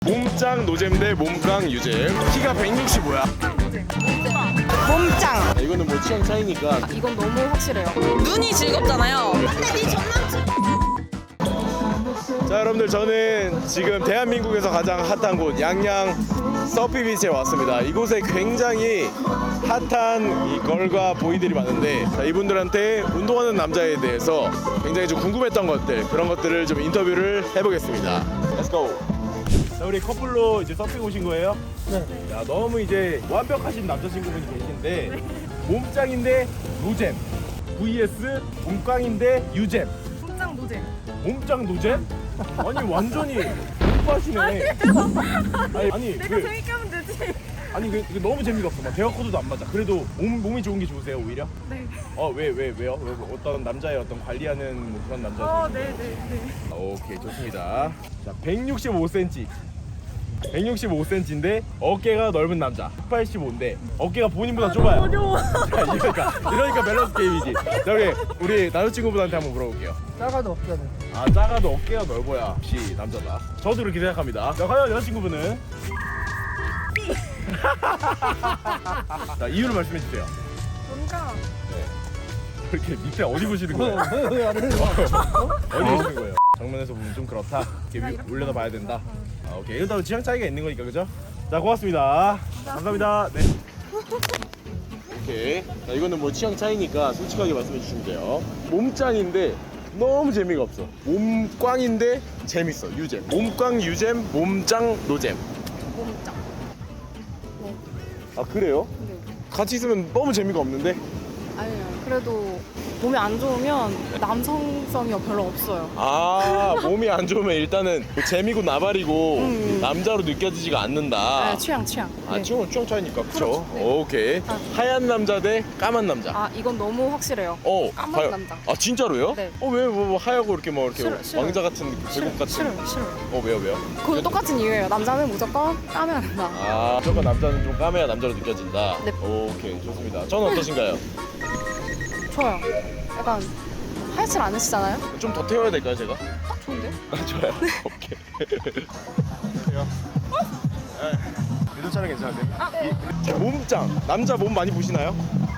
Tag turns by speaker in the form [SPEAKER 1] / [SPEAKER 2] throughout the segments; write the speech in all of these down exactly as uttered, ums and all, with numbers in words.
[SPEAKER 1] 몸짱 노잼 대 몸깡 유잼. 키가 백육십오야.
[SPEAKER 2] 몸짱.
[SPEAKER 1] 아, 이거는 뭐 취향 차이니까.
[SPEAKER 2] 아, 이건 너무 확실해요.
[SPEAKER 3] 눈이 즐겁잖아요. 근데 네 전남친.
[SPEAKER 1] 자, 여러분들, 저는 지금 대한민국에서 가장 핫한 곳 양양 서피비치에 왔습니다. 이곳에 굉장히 핫한 이 걸과 보이들이 많은데, 자, 이분들한테 운동하는 남자에 대해서 굉장히 좀 궁금했던 것들, 그런 것들을 좀 인터뷰를 해보겠습니다. Let's go. 자, 우리 커플로 이제 서핑 오신 거예요? 네. 야, 너무 이제 완벽하신 남자친구분이 계신데, 몸짱인데 노잼 vs 몸깡인데 유잼.
[SPEAKER 2] 몸짱 노잼.
[SPEAKER 1] 몸짱 노잼? 아니, 완전히 오빠시네. 아니, 아니
[SPEAKER 2] 내가
[SPEAKER 1] 그,
[SPEAKER 2] 재밌게 하면 되지.
[SPEAKER 1] 아니 그, 그 너무 재미가 없어. 막 대화 코드도 안 맞아. 그래도 몸, 몸이 좋은 게 좋으세요, 오히려?
[SPEAKER 2] 네.
[SPEAKER 1] 어, 왜, 왜, 왜요? 왜, 어떤 남자의 어떤 관리하는 뭐 그런 남자?
[SPEAKER 2] 어, 네, 네, 네.
[SPEAKER 1] 오케이, 좋습니다. 자, 백육십오 센티미터. 백육십오 센티미터인데 어깨가 넓은 남자. 백팔십오인데 어깨가 본인보다 좁아요.
[SPEAKER 2] 어려워.
[SPEAKER 1] 자, 이러니까 이러니까 밸런스 게임이지. 자, 우리 우리 남자친구분한테 한번 물어볼게요.
[SPEAKER 4] 작아도 없잖아요.
[SPEAKER 1] 아, 작아도 어깨가 넓어야 역시 남자다. 저도 그렇게 생각합니다. 자, 과연 여자친구분은? 자, 이유를 말씀해 주세요.
[SPEAKER 2] 뭔가
[SPEAKER 1] 네. 이렇게 밑에 어디 보시는 거예요?
[SPEAKER 4] 왜 안 해요?
[SPEAKER 1] 어디 보시는 거예요? 정면에서 보면 좀 그렇다. 이렇게 위- 올려다 봐야 된다. 아, 오케이. 이러다 취향 차이가 있는 거니까, 그죠? 자, 고맙습니다. 감사합니다. 네. 오케이. 자, 이거는 뭐 취향 차이니까 솔직하게 말씀해 주시면 돼요. 몸짱인데 너무 재미가 없어. 몸꽝인데 재밌어. 유잼. 몸꽝 유잼, 몸짱 노잼.
[SPEAKER 2] 몸짱.
[SPEAKER 1] 아, 그래요?
[SPEAKER 2] 네.
[SPEAKER 1] 같이 있으면 너무 재미가 없는데?
[SPEAKER 2] 아니요. 그래도 몸이 안 좋으면 남성성이 별로 없어요.
[SPEAKER 1] 아, 몸이 안 좋으면 일단은 뭐 재미고 나발이고
[SPEAKER 2] 음.
[SPEAKER 1] 남자로 느껴지지가 않는다.
[SPEAKER 2] 네, 취향, 취향.
[SPEAKER 1] 아,
[SPEAKER 2] 네.
[SPEAKER 1] 취향은 취향 차이니까. 그쵸?
[SPEAKER 2] 그렇죠. 네.
[SPEAKER 1] 오케이.
[SPEAKER 2] 아.
[SPEAKER 1] 하얀 남자 대 까만 남자.
[SPEAKER 2] 아, 이건 너무 확실해요.
[SPEAKER 1] 어,
[SPEAKER 2] 까만
[SPEAKER 1] 하얀-
[SPEAKER 2] 남자.
[SPEAKER 1] 아, 진짜로요?
[SPEAKER 2] 네.
[SPEAKER 1] 어, 왜, 뭐, 뭐 하얗고 이렇게 뭐 이렇게
[SPEAKER 2] 싫어, 싫어요.
[SPEAKER 1] 왕자 같은 계곡 같은.
[SPEAKER 2] 싫어요, 싫어요.
[SPEAKER 1] 어, 왜요, 왜요?
[SPEAKER 2] 그것도 똑같은 이유예요. 남자는 무조건 까면 한다.
[SPEAKER 1] 아, 무조건 남자는 좀 까매야 남자로 느껴진다.
[SPEAKER 2] 네.
[SPEAKER 1] 오케이, 좋습니다. 저는 어떠신가요?
[SPEAKER 2] 좋아요. 약간 하얗질 않으시잖아요?
[SPEAKER 1] 좀 더 태워야 될까요, 제가?
[SPEAKER 2] 딱 좋은데요?
[SPEAKER 1] 아, 좋아요. 오케이. 안녕하세요. 유도 촬영 괜찮은데? 이- 제 몸짱. 남자 몸 많이 보시나요?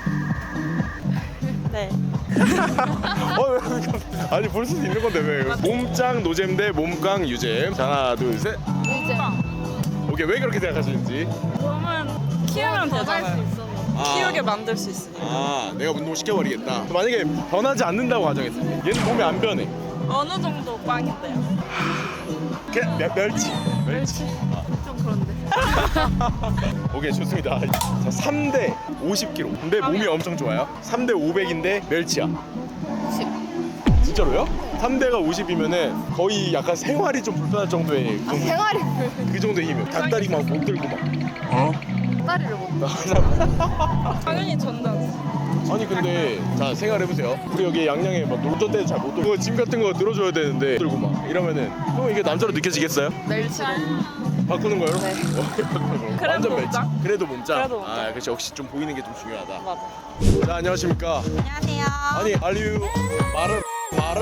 [SPEAKER 3] 네.
[SPEAKER 1] 어, 왜 그렇게- 아니, 볼 수도 있는 건데 왜? 몸짱 노잼 대 몸깡 유잼. 자, 하나, 둘, 셋.
[SPEAKER 2] 이제
[SPEAKER 1] 오케이, 왜 그렇게 생각하시는지.
[SPEAKER 3] 몸은 키우면 되잖아요.
[SPEAKER 1] 아.
[SPEAKER 3] 키우게 만들 수 있으니까.
[SPEAKER 1] 아, 내가 운동 시켜버리겠다. 만약에 변하지 않는다고 가정했을 때, 얘는 몸이 안 변해.
[SPEAKER 3] 어느 정도 빵인데요?
[SPEAKER 1] 그 멸, 멸치. 멸치.
[SPEAKER 2] 좀 그런데.
[SPEAKER 1] 오케이, 좋습니다. 자, 삼 대 오십 킬로그램. 근데 몸이 엄청 좋아요. 삼 대 오백인데 멸치야.
[SPEAKER 2] 십.
[SPEAKER 1] 진짜로요? 삼 대가 오십이면은 거의 약간 생활이 좀 불편할 정도의 그,
[SPEAKER 2] 아, 생활이
[SPEAKER 1] 그 정도의 힘이에요. 닭다리 막 못 들고 막.
[SPEAKER 2] 다리를 못.
[SPEAKER 3] 당연히 전담.
[SPEAKER 1] 아니, 근데 자, 생각해보세요. 우리 여기 양양에 막 놀던 때는 잘 못 들고 짐 같은 거 들어줘야 되는데 들고 막 이러면은 그럼 이게 남자로 느껴지겠어요?
[SPEAKER 2] 멸치로.
[SPEAKER 1] 바꾸는 거요?
[SPEAKER 2] 네.
[SPEAKER 3] 그래도
[SPEAKER 1] 완전 멸치.
[SPEAKER 3] 몸짱?
[SPEAKER 1] 그래도 몸짱.
[SPEAKER 3] 그래도 몸짱.
[SPEAKER 1] 아, 그렇지. 역시 좀 보이는 게 좀 중요하다.
[SPEAKER 3] 맞아.
[SPEAKER 1] 자, 안녕하십니까.
[SPEAKER 3] 안녕하세요.
[SPEAKER 1] 아니, 알류 말을 말을?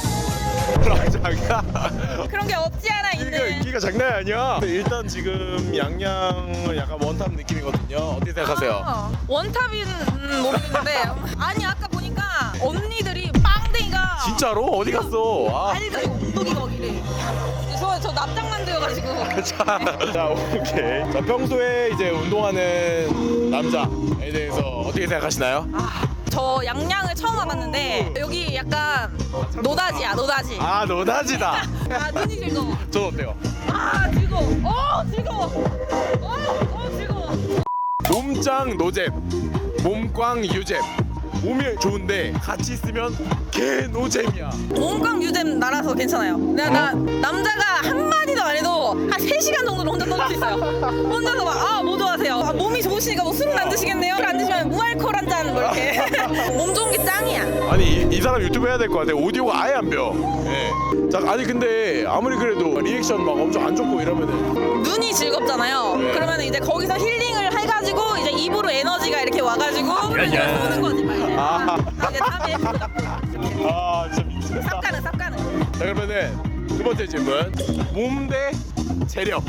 [SPEAKER 1] 자기야.
[SPEAKER 3] 그런 게 없지 않아
[SPEAKER 1] 끼가,
[SPEAKER 3] 있는.
[SPEAKER 1] 끼가 장난이 아니야. 근데 일단 지금 양양은 약간 원탑 느낌이거든요. 어떻게 생각하세요?
[SPEAKER 3] 아, 원탑인 음, 모르겠는데 아니 아까 보니까 언니들이 빵댕이가
[SPEAKER 1] 진짜로? 어디 갔어? 아.
[SPEAKER 3] 아니 나 이거 엉덩이가 이래. 저, 저 납작만 되어가지고.
[SPEAKER 1] 자, 자, 오케이. 자, 평소에 이제 운동하는 남자에 대해서 어떻게 생각하시나요?
[SPEAKER 3] 저 양양을 처음 와봤는데 여기 약간 노다지야 노다지.
[SPEAKER 1] 아, 노다지다.
[SPEAKER 3] 아 눈이 즐거워.
[SPEAKER 1] 전 어때요?
[SPEAKER 3] 아 즐거워. 어 즐거워. 어, 어 즐거워.
[SPEAKER 1] 몸짱 노잼, 몸꽝 유잼. 몸이 좋은데 같이 있으면 개 노잼이야.
[SPEAKER 3] 몸깡 유잼 나라서 괜찮아요. 내가 나 남자가 한 마디도 안 해도 한 세 시간 정도는 혼자 떠들 수 있어요. 혼자서 막 아 뭐 좋아하세요? 아, 몸이 좋으시니까 뭐 술은 안 드시겠네요? 술 안 드시면 무알콜 한 잔 뭐 이렇게. 몸 좋은 게 짱이야.
[SPEAKER 1] 아니, 이, 이 사람 유튜브 해야 될 것 같아. 오디오가 아예 안 배워. 예. 자, 아니 근데 아무리 그래도 리액션 막 엄청 안 좋고 이러면은
[SPEAKER 3] 눈이 즐겁잖아요.
[SPEAKER 1] 네.
[SPEAKER 3] 그러면 이제 거기서 힐링을 해가지고 이제 입으로 에너지가 이렇게 와가지고
[SPEAKER 1] 야.
[SPEAKER 3] 쏘는 거지 막 이제.
[SPEAKER 1] 아.
[SPEAKER 3] 이제 땀에
[SPEAKER 1] 아, 진짜 미치겠다.
[SPEAKER 3] 쌉가는 쌉가는.
[SPEAKER 1] 자, 그러면은 두 번째 질문. 몸 대 재력.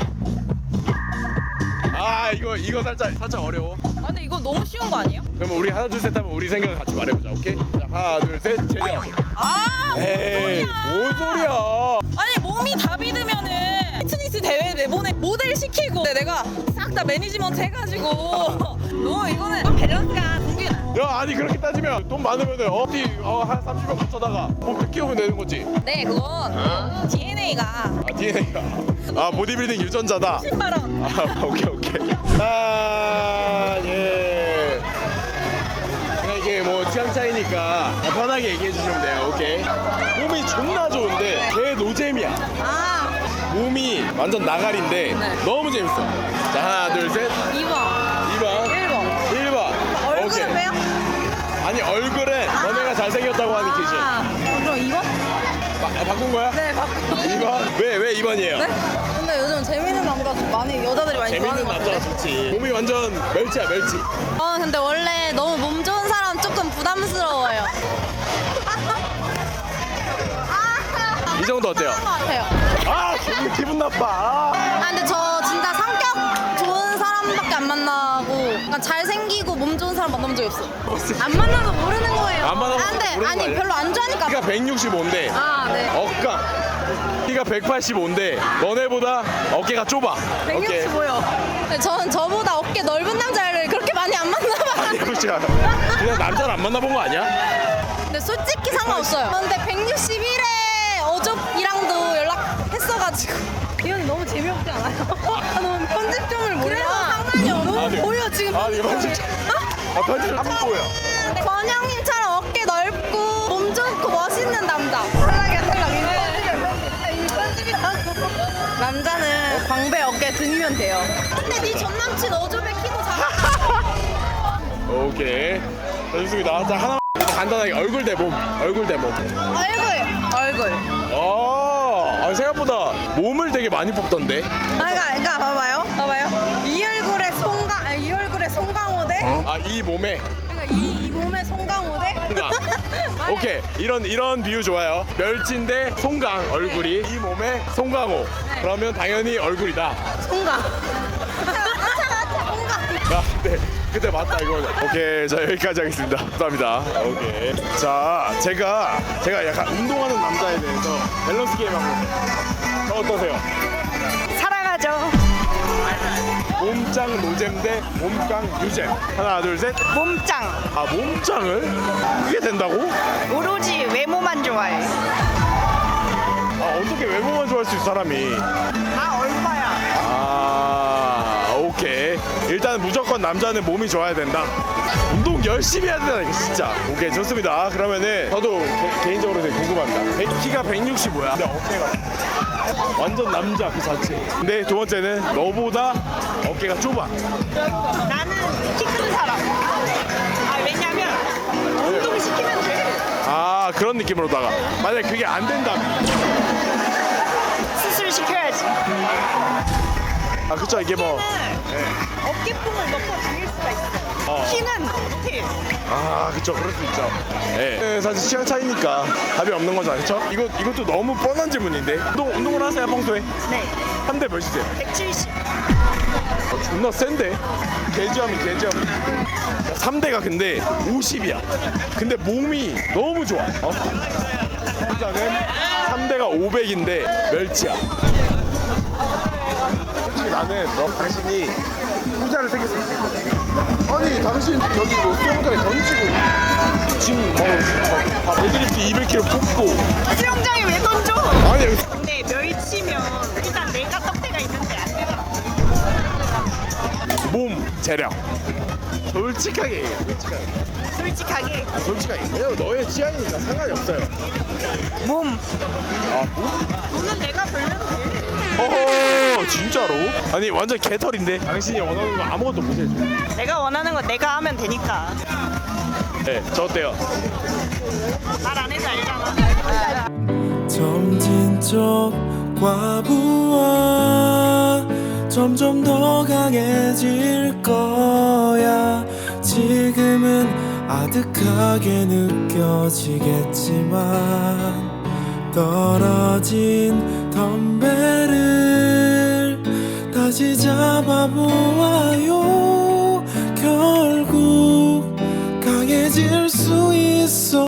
[SPEAKER 1] 아 이거 이거 살짝 살짝 어려워.
[SPEAKER 3] 아 근데 이거 너무 쉬운 거 아니에요?
[SPEAKER 1] 그러면 우리 하나 둘 셋 하면 우리 생각을 같이 말해보자. 오케이? 자 하나 둘 셋 재력.
[SPEAKER 3] 아
[SPEAKER 1] 에이 뭔 소리야.
[SPEAKER 3] 아니 몸이 다 믿으면은 피트니스 대회 내보내 모델 시키고 근데 내가 싹 다 매니지먼트 해가지고 너 이거는 밸런스가 붕괴나.
[SPEAKER 1] 야 아니 그렇게 따지면 돈 많으면은 어디 어, 한 삼십 명 붙여다가 몸 키우면 되는 거지.
[SPEAKER 3] 네 그건 디엔에이가
[SPEAKER 1] 아 디엔에이가 아 보디빌딩 유전자다.
[SPEAKER 3] 십만 원.
[SPEAKER 1] 아 오케이 오케이. 아 예. 그냥 이게 뭐 취향 차이니까 편하게 얘기해 주시면 돼요. 오케이. 몸이 존나 좋은데 개 노잼이야.
[SPEAKER 3] 아
[SPEAKER 1] 몸이 완전 나가리인데
[SPEAKER 3] 네.
[SPEAKER 1] 너무 재밌어. 자 하나 둘 셋.
[SPEAKER 3] 이 번
[SPEAKER 1] 이 번.
[SPEAKER 3] 일 번
[SPEAKER 1] 일 번. 오케이.
[SPEAKER 3] 얼굴은 왜요?
[SPEAKER 1] 아니 얼굴은 너네가 잘생겼다고 하는 기준.
[SPEAKER 3] 아 그럼 이 번?
[SPEAKER 1] 바, 아, 바꾼 거야?
[SPEAKER 3] 네 바꿔.
[SPEAKER 1] 이 번? 왜 왜 이 번이에요?
[SPEAKER 3] 네? 근데 요즘 재밌는 남자 많이 여자들이 많이
[SPEAKER 1] 재밌는
[SPEAKER 3] 좋아하는 것
[SPEAKER 1] 남자가
[SPEAKER 3] 같은데.
[SPEAKER 1] 좋지. 몸이 완전 멸치야 멸치.
[SPEAKER 3] 어 근데 원래 너무 몸 좋은 사람 조금 부담스러워요.
[SPEAKER 1] 이 정도 어때요?
[SPEAKER 3] 것 같아요.
[SPEAKER 1] 아 기분, 기분 나빠. 아.
[SPEAKER 3] 아 근데 저 진짜 성격 좋은 사람밖에 안 만나고 약간 잘생기고 몸 좋은 사람 만나본 적이 없어. 안 만나도 모르는 거예요.
[SPEAKER 1] 안 만나도
[SPEAKER 3] 아, 근데
[SPEAKER 1] 모르는 거
[SPEAKER 3] 아니
[SPEAKER 1] 아니야?
[SPEAKER 3] 별로 안 좋아하니까.
[SPEAKER 1] 키가 백육십오인데
[SPEAKER 3] 아 네.
[SPEAKER 1] 어깨가 키가 백팔십오인데 너네보다 어깨가 좁아. 오케이.
[SPEAKER 3] 백육십오요. 근데 저는 저보다 어깨 넓은 남자를 그렇게 많이 안 만나봐요.
[SPEAKER 1] 그렇지 않아. 그냥 남자를 안 만나본 거 아니야?
[SPEAKER 3] 근데 솔직히 상관없어요. 근데 백육십일에 어족이랑도 연락했어가지고 이 형이 너무 재미없지 않아요? 아, 너무 편집점을 몰라. 그래서 상관이 없어.
[SPEAKER 1] 아, 네.
[SPEAKER 3] 보여 지금.
[SPEAKER 1] 아, 네, 편집. 아 편집 안 보여.
[SPEAKER 3] 권영님처럼 어깨 넓고 몸 좋고 멋있는 남자. 탈락이야 탈락. 이 편집이라고. 남자는 광배 어깨 등이면 돼요. 근데 네 전 남친 어조배 키도 작아.
[SPEAKER 1] 오케이. 자, 좋습니다. 자 하나 간단하게 얼굴 대 몸. 얼굴 대 몸.
[SPEAKER 3] 얼굴. 얼굴.
[SPEAKER 1] 어, 아, 생각보다 몸을 되게 많이 뽑던데.
[SPEAKER 3] 아, 그러니까, 그러니까 봐봐요. 봐봐요. 이 얼굴에 송강, 아니, 이 얼굴에 송강호 대.
[SPEAKER 1] 아, 이 몸에.
[SPEAKER 3] 그러니까 이, 이 몸에 송강호 대.
[SPEAKER 1] 그러니까. 오케이, 이런 이런 비유 좋아요. 멸치인데 송강 얼굴이 이 몸에 송강호. 그러면 당연히 얼굴이다.
[SPEAKER 3] 송강. 송강.
[SPEAKER 1] 아, 네. 그때 맞다 이거. 오케이, 자 여기까지 하겠습니다. 감사합니다. 오케이. 자, 제가 제가 약간 운동하는 남자에 대해서 밸런스 게임 한번. 저 어떠세요?
[SPEAKER 2] 사랑하죠.
[SPEAKER 1] 몸짱 노잼 대 몸깡 유잼. 하나, 둘, 셋.
[SPEAKER 2] 몸짱.
[SPEAKER 1] 아, 몸짱을? 그게 된다고?
[SPEAKER 2] 오로지 외모만 좋아해.
[SPEAKER 1] 아, 어떻게 외모만 좋아할 수 있어 사람이?
[SPEAKER 2] 아 얼마야?
[SPEAKER 1] 아, 오케이. 일단 무조건 남자는 몸이 좋아야 된다. 운동 열심히 해야 된다 이거 진짜. 오케이, 좋습니다. 그러면은 저도 개, 개인적으로 되게 궁금합니다. 백, 키가 백육십오야. 근데 어깨가 완전 남자 그 자체. 근데 두 번째는 너보다 어깨가 좁아.
[SPEAKER 2] 나는 키 큰 사람. 아 왜냐면 운동 시키면 돼.
[SPEAKER 1] 아, 그런 느낌으로다가 만약 그게 안 된다면.
[SPEAKER 2] 수술 시켜야지.
[SPEAKER 1] 아, 그쵸. 이게 뭐
[SPEAKER 2] 어깨뽕을 넣고 죽일 수가 있어.
[SPEAKER 1] 어.
[SPEAKER 2] 키는 못해.
[SPEAKER 1] 아, 그쵸. 그럴 수 있죠. 예. 네, 사실 취향 차이니까 답이 없는 거죠, 그렇죠? 이거 이것도 너무 뻔한 질문인데. 운동 운동을 하세요 평소에?
[SPEAKER 2] 네.
[SPEAKER 1] 한 대 몇이세요?
[SPEAKER 2] 백칠십.
[SPEAKER 1] 어, 존나 센데? 개지함이 개지함. 삼 대가 근데 오십이야. 근데 몸이 너무 좋아. 어? 혼자는 삼 대가 오백인데 멸치야. 솔직히 나는 너 당신이 후자를 생겼으면 좋겠어. 아니 당신 저기 뭐 수영장에 던지고 지금 뭐 데드리프트 이백 킬로그램 뽑고.
[SPEAKER 2] 수영장에 왜 던져?
[SPEAKER 1] 아니
[SPEAKER 2] 근데 멸치면 일단 내가 떡대가 있는데 안 되더라.
[SPEAKER 1] 몸 재량. 솔직하게 얘기해. 솔직하게.
[SPEAKER 2] 솔직하게
[SPEAKER 1] 솔직하게. 왜냐면 너의 취향이니까 상관이 없어요.
[SPEAKER 2] 몸.
[SPEAKER 1] 아 몸?
[SPEAKER 2] 돈은 내가 벌려도 돼.
[SPEAKER 1] 어허, 진짜로? 아니 완전 개털인데 당신이 원하는 거 아무것도 못 해줘.
[SPEAKER 2] 내가 원하는 건 내가 하면 되니까.
[SPEAKER 1] 네, 저 어때요?
[SPEAKER 2] 말 안 해도 알잖아.
[SPEAKER 4] 점진 쪽 과부하 점점 더 강해질 거야. 지금은 아득하게 느껴지겠지만 떨어진 덤벨을 끝까지 잡아보아요. 결국 강해질 수 있어.